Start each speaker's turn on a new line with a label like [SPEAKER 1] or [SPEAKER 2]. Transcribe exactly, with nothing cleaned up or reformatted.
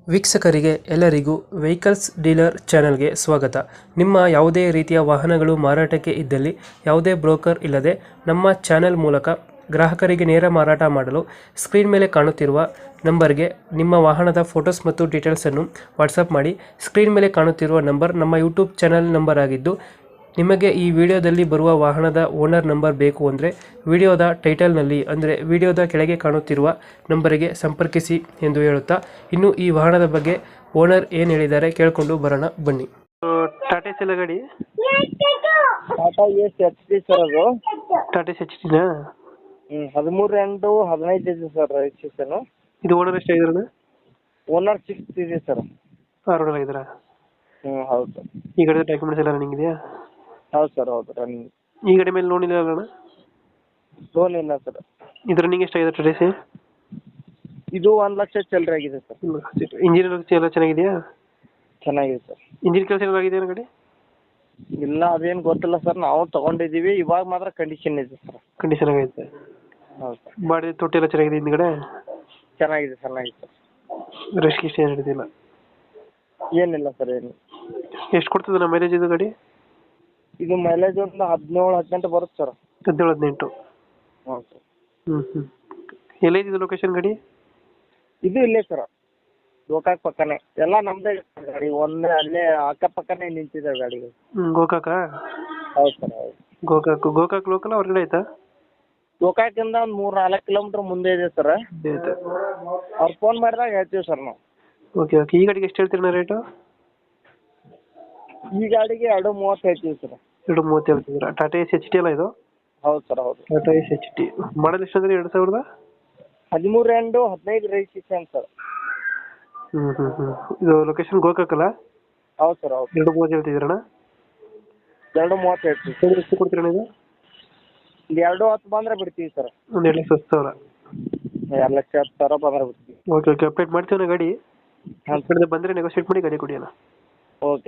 [SPEAKER 1] ವೀಕ್ಷಕರಿಗೆ ಎಲ್ಲರಿಗೂ vehicles dealer ಚಾನೆಲ್ಗೆ ಸ್ವಾಗತ. ನಿಮ್ಮ ಯಾವುದೇ ರೀತಿಯ ವಾಹನಗಳು ಮಾರಾಟಕ್ಕೆ ಇದ್ದಲ್ಲಿ ಯಾವುದೇ ಬ್ರೋಕರ್ ಇಲ್ಲದೆ ನಮ್ಮ ಚಾನೆಲ್ ಮೂಲಕ ಗ್ರಾಹಕರಿಗೆ ನೇರ ಮಾರಾಟ ಮಾಡಲು ಸ್ಕ್ರೀನ್ ಮೇಲೆ ಕಾಣುತ್ತಿರುವ ನಂಬರ್ಗೆ ನಿಮ್ಮ ವಾಹನದ ಫೋಟೋಸ್ ಮತ್ತು ಡೀಟೇಲ್ಸನ್ನು ವಾಟ್ಸಪ್ ಮಾಡಿ. ಸ್ಕ್ರೀನ್ ಮೇಲೆ ಕಾಣುತ್ತಿರುವ ನಂಬರ್ ನಮ್ಮ ಯೂಟ್ಯೂಬ್ ಚಾನೆಲ್ ನಂಬರ್ ಆಗಿದ್ದು, ನಿಮಗೆ ಈ ವಿಡಿಯೋದಲ್ಲಿ ಬರುವ ವಾಹನದ ಓನರ್ ನಂಬರ್ ಬೇಕು ಅಂದರೆ ವಿಡಿಯೋದ ಟೈಟಲ್ನಲ್ಲಿ ಅಂದರೆ ವಿಡಿಯೋದ ಕೆಳಗೆ ಕಾಣುತ್ತಿರುವ ನಂಬರಿಗೆ ಸಂಪರ್ಕಿಸಿ ಎಂದು ಹೇಳುತ್ತಾ, ಇನ್ನು ಈ ವಾಹನದ ಬಗ್ಗೆ ಓನರ್ ಏನು ಹೇಳಿದ್ದಾರೆ ಕೇಳಿಕೊಂಡು ಬರೋಣ ಬನ್ನಿ. ಟಾಟಾ ಎಸ್ ಗಾಡಿ
[SPEAKER 2] Tata S H D sir ಅದು.
[SPEAKER 1] ಟಾಟಾ ಎಸ್ ಎಚ್ ಡಿನಾ?
[SPEAKER 2] ಹ್ಞೂ ಹದಿಮೂರು ಎಂಟು ಹದಿನೈದು ಇದೆ ಸರ್ ರಿಜಿಸ್ಟ್ರೇಷನು.
[SPEAKER 1] ಇದು ಓನರ್ ಎಷ್ಟಾಗಿದ್ರಣ?
[SPEAKER 2] ಓನರ್ ಸಿಕ್ಸ್ ಇದೆ ಸರ್.
[SPEAKER 1] ಆರು ಓನರ್ ಆಗಿದ್ದೀರಾ?
[SPEAKER 2] ಹ್ಞೂ ಹೌದು ಸರ್.
[SPEAKER 1] ಈ ಗಾಡಿ ಡಾಕ್ಯುಮೆಂಟ್ಸ್ ಎಲ್ಲ ರನ್ನಿಂಗ್ ಇದೆಯಾ?
[SPEAKER 2] ಹೌದು ಸರ್ ಹೌದು ರನ್ನಿಂಗ್.
[SPEAKER 1] ಈ ಗಾಡಿ ಮೇಲೆ ಲೋನ್ ಇಲ್ಲ ಅಣ್ಣ?
[SPEAKER 2] ಲೋನ್ ಇಲ್ಲ ಸರ್.
[SPEAKER 1] ಇದು ರನ್ನಿಂಗ್ ಎಷ್ಟಾಗಿದೆ ಟಾಟಾ ಎಸ್?
[SPEAKER 2] ಇದು ಒಂದು ಲಕ್ಷ ಚಿಲ್ಲರೆ ಆಗಿದೆ ಸರ್.
[SPEAKER 1] ಇಂಜಿನ್ ಎಲ್ಲ ಚೆನ್ನಾಗಿದೆಯಾ?
[SPEAKER 2] ಚೆನ್ನಾಗಿದೆ ಸರ್.
[SPEAKER 1] ಇಂಜಿನ್ ಕೆಲಸ ಎಲ್ಲ ಆಗಿದೆಯಾ ಗಾಡಿ?
[SPEAKER 2] ಇಲ್ಲ ಅದೇನು ಗೊತ್ತಿಲ್ಲ ಸರ್, ನಾವು ತೊಗೊಂಡಿದ್ದೀವಿ. ಇವಾಗ ಮಾತ್ರ ಕಂಡೀಷನ್ ಇದೆ ಸರ್.
[SPEAKER 1] ಕಂಡೀಷನ್ ಆಗೈತೆ?
[SPEAKER 2] ಹೌದು ಸರ್.
[SPEAKER 1] ಬಾಡಿ ತೊಟ್ಟಿ ಎಲ್ಲ ಚೆನ್ನಾಗಿದೆ ಹಿಂದ್ಗಡೆ?
[SPEAKER 2] ಚೆನ್ನಾಗಿದೆ ಚೆನ್ನಾಗಿದೆ ಸರ್.
[SPEAKER 1] ರೆಸ್ಟ್ ಗಿಸ್ಟ್ ಏನು ಹಿಡಿದಿಲ್ಲ?
[SPEAKER 2] ಏನಿಲ್ಲ ಸರ್ ಏನು.
[SPEAKER 1] ಎಷ್ಟು ಕೊಡ್ತದೆ ನಮ್ಮ ಮೈಲೇಜ್ ಇದು ಗಾಡಿ?
[SPEAKER 2] ಇದು ಮೈಲೇಜ್ ಒಂದು ಹದಿನೇಳು ಹದಿನೆಂಟು ಬರುತ್ತೆ ಸರ್.
[SPEAKER 1] ಹದಿನೇಳು ಹದಿನೆಂಟು?
[SPEAKER 2] ಹ್ಞೂ ಸರ್.
[SPEAKER 1] ಹ್ಞೂ ಹ್ಞೂ ಎಲ್ಲೈತಿದೆ ಲೊಕೇಶನ್ ಗಾಡಿ?
[SPEAKER 2] ಇದು ಇಲ್ಲೇ ಸರ್, ಗೋಕಾಕ್ ಪಕ್ಕನೇ. ಎಲ್ಲ ನಮ್ಮದೇ ಗಾಡಿ, ಒಂದೇ ಅಲ್ಲೇ ಅಕ್ಕಪಕ್ಕನೇ ನಿಂತಿದೆ ಗಾಡಿಗಳು.
[SPEAKER 1] ಹ್ಞೂ ಗೋಕಾಕ?
[SPEAKER 2] ಹೌದು ಸರ್ ಹೌದು.
[SPEAKER 1] ಗೋಕಾಕ್ ಗೋಕಾಕ್ ಲೋಕಲ್ ಹೊರಗಡೆ ಆಯ್ತಾ?
[SPEAKER 2] ಗೋಕಾಕಿಂದ ಒಂದು ಮೂರು ನಾಲ್ಕು ಕಿಲೋಮೀಟ್ರ್ ಮುಂದೆ ಇದೆ ಸರ್.
[SPEAKER 1] ಆಯ್ತು.
[SPEAKER 2] ಅವ್ರು ಫೋನ್ ಮಾಡಿದಾಗ ಹೇಳ್ತೀವಿ ಸರ್ ನಾವು.
[SPEAKER 1] ಓಕೆ ಓಕೆ ಈ ಗಾಡಿಗೆ ಎಷ್ಟು ಹೇಳ್ತೀರಣ್ಣ ರೇಟು?
[SPEAKER 2] ಈ ಗಾಡಿಗೆ ಎರಡು ಮೂವತ್ತು ಹೇಳ್ತೀವಿ ಸರ್.
[SPEAKER 1] ಎರಡು ಮೂವತ್ತು ಹೇಳ್ತಿದ್ದೀರಾ? ಟಾಟಾ ಎಸ್ ಎಚ್ ಟಿ ಅಲ್ಲ ಇದು?
[SPEAKER 2] ಹೌದು ಸರ್ ಹೌದು.
[SPEAKER 1] Tata S H T model ಎಷ್ಟು ಅಂದರೆ ಎರಡು ಸಾವಿರದ
[SPEAKER 2] ಹದಿಮೂರು ಎಂಟು ಹದಿನೈದು ರಿಜಿಸ್ಟ್ರೇಷನ್ ಸರ್.
[SPEAKER 1] ಹ್ಞೂ ಹ್ಞೂ ಹ್ಞೂ ಇದು ಲೊಕೇಶನ್ ಗೋಕಾಕ್ ಅಲ್ಲ?
[SPEAKER 2] ಹೌದು ಸರ್ ಹೌದು.
[SPEAKER 1] ಎರಡು ಮೂವತ್ತು ಹೇಳ್ತಿದ್ದೀರಣ್ಣ?
[SPEAKER 2] ಎರಡು ಮೂವತ್ತು ಹೇಳ್ತೀವಿ.
[SPEAKER 1] ಎಷ್ಟು ಕೊಡ್ತೀರಣ್ಣ ಇದು?
[SPEAKER 2] ಇಲ್ಲಿ ಎರಡು ಹತ್ತು ಬಂದರೆ ಬಿಡ್ತೀವಿ ಸರ್.
[SPEAKER 1] ಒಂದು ಎರಡು ಲಕ್ಷ ಹತ್ತು ಸಾವಿರ?
[SPEAKER 2] ಎರಡು ಲಕ್ಷ ಹತ್ತು ಸಾವಿರ ಬಂದರೆ ಬಿಡ್ತೀವಿ.
[SPEAKER 1] ಓಕೆ ಓಕೆ ಅಪ್ಡೇಟ್ ಮಾಡ್ತೀವಿ ಗಾಡಿ.
[SPEAKER 2] ಹಾಂ
[SPEAKER 1] ಬಂದರೆ ನೆಗೋಷಿಯೇಟ್ ಮಾಡಿ ಗಾಡಿ ಕೊಡಿ ಅಣ್ಣ.
[SPEAKER 2] ಓಕೆ.